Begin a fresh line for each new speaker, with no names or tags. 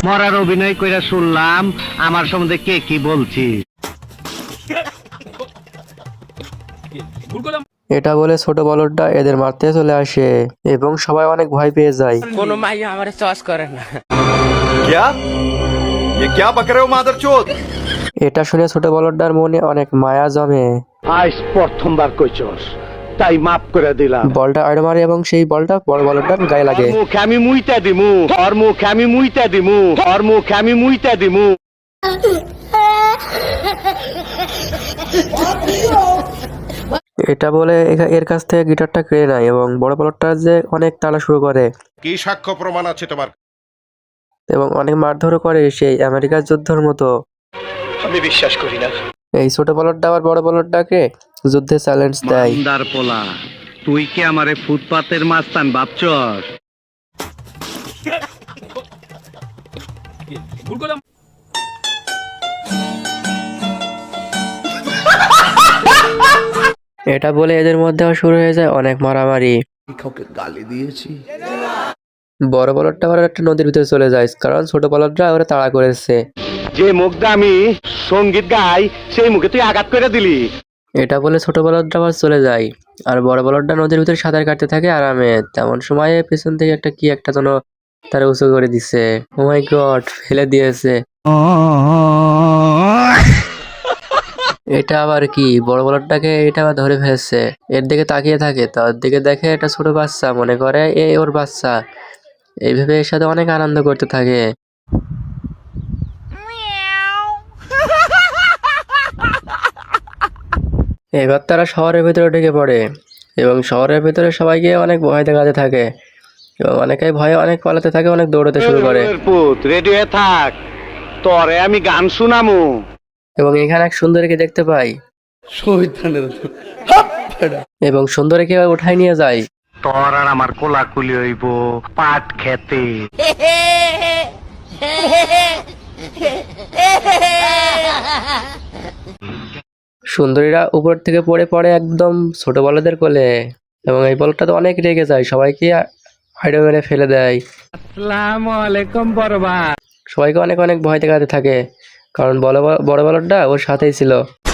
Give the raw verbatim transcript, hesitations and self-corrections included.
মরার অভিনয় কইরা শুনলাম আমার সম্বন্ধে কে কি বলছি।
এটা বলে ছোট বলদটা এদের মারতে চলে আসে এবং সবাই অনেক ভয় পেয়ে যায়।
কোনো মাইয়া আমারে চয়েস করে না।
क्या ये क्या बक रहे हो मादरचोद।
এটা শুনে ছোট বলদটার মনে অনেক মায়া জমে।
আজ প্রথমবার কইছস, তাই মাফ করে দিলাম।
বলটা আড় মারে এবং সেই বলটা বড় বলদটার গায়ে লাগে।
মুখে আমি মুইতা দিমু, ওর মুখে আমি মুইতা দিমু, ওর মুখে আমি মুইতা দিমু।
এটা বলে এ- এর কাছ থেকে গিটারটা কেড়ে নেয় এবং বড় বলদটা যে অনেক টানা শুরু করে
কি সাক্ষ্য প্রমাণ আছে তোমার?
এবং অনেক মারধরও করে সেই আমেরিকার যুদ্ধের মতো।
আমি বিশ্বাস করি না।
এই ছোট বলদটা আবার বড় বলদটাকে যুদ্ধে চ্যালেঞ্জ দেয়।
বান্দার পোলা, তুই কি আমারে ফুটপাতের মাস্তান ভাবছস?
এটা বলে এদের মধ্যেও শুরু হয়ে যায় অনেক মারামারি।
গালি দিয়েছি।
বড় বলদটা আবার একটা নদীর ভিতরে চলে যায় কারণ ছোট বলদটা ওরা তাড়া করেছে।
যে মুখ দিয়ে আমি সঙ্গীত গাই সেই মুখে তুই আঘাত করে দিলি।
এটা বলে ছোট বলদটা আবার চলে যায় আর বড় বলদটা নদীর ভিতরে সাঁতার কাটতে থাকে আরামে। তেমন সময়ে পেছন থেকে একটা কি একটা যেন তারা উঁচু করে দিছে। ও মাই গড, ফেলে দিয়েছে। এটা আবার কি, বড় বলদটাকে এটা আবার ধরে ফেলেছে। এর দিকে তাকিয়ে থাকে, তার দিকে দেখে একটা ছোট বাচ্চা, মনে করে এ ওর বাচ্চা। এইভাবে এর সাথে অনেক আনন্দ করতে থাকে। এবার তারা শহরের ভিতরে ঢুকে পড়ে এবং শহরের ভিতরে সবাইকে অনেক ভয় দেখাতে থাকে এবং অনেকেই ভয়ে অনেক পালাতে থাকে, অনেক দৌড়াতে শুরু করে।
পুত রেডি হয়ে থাক, তোরে আমি গান শুনামু।
এবং এখানে এক সুন্দরীকে দেখতে পাই এবং সুন্দরীকে উঠাই নিয়ে যায়।
তোর আর আমার কোলাকুলি হইব পাট খেতে।
সুন্দরীরা উপর থেকে পড়ে পড়ে একদম ছোট বলদের কোলে এবং এই বলটা তো অনেক রেগে যায়, সবাইকে হাইডে মেরে ফেলে দেয়।
আসসালামু আলাইকুম বড় ভাই।
সবাইকে অনেক অনেক ভয় দেখাতে থাকে কারণ বড় বড় বলদটা ওর সাথেই ছিল।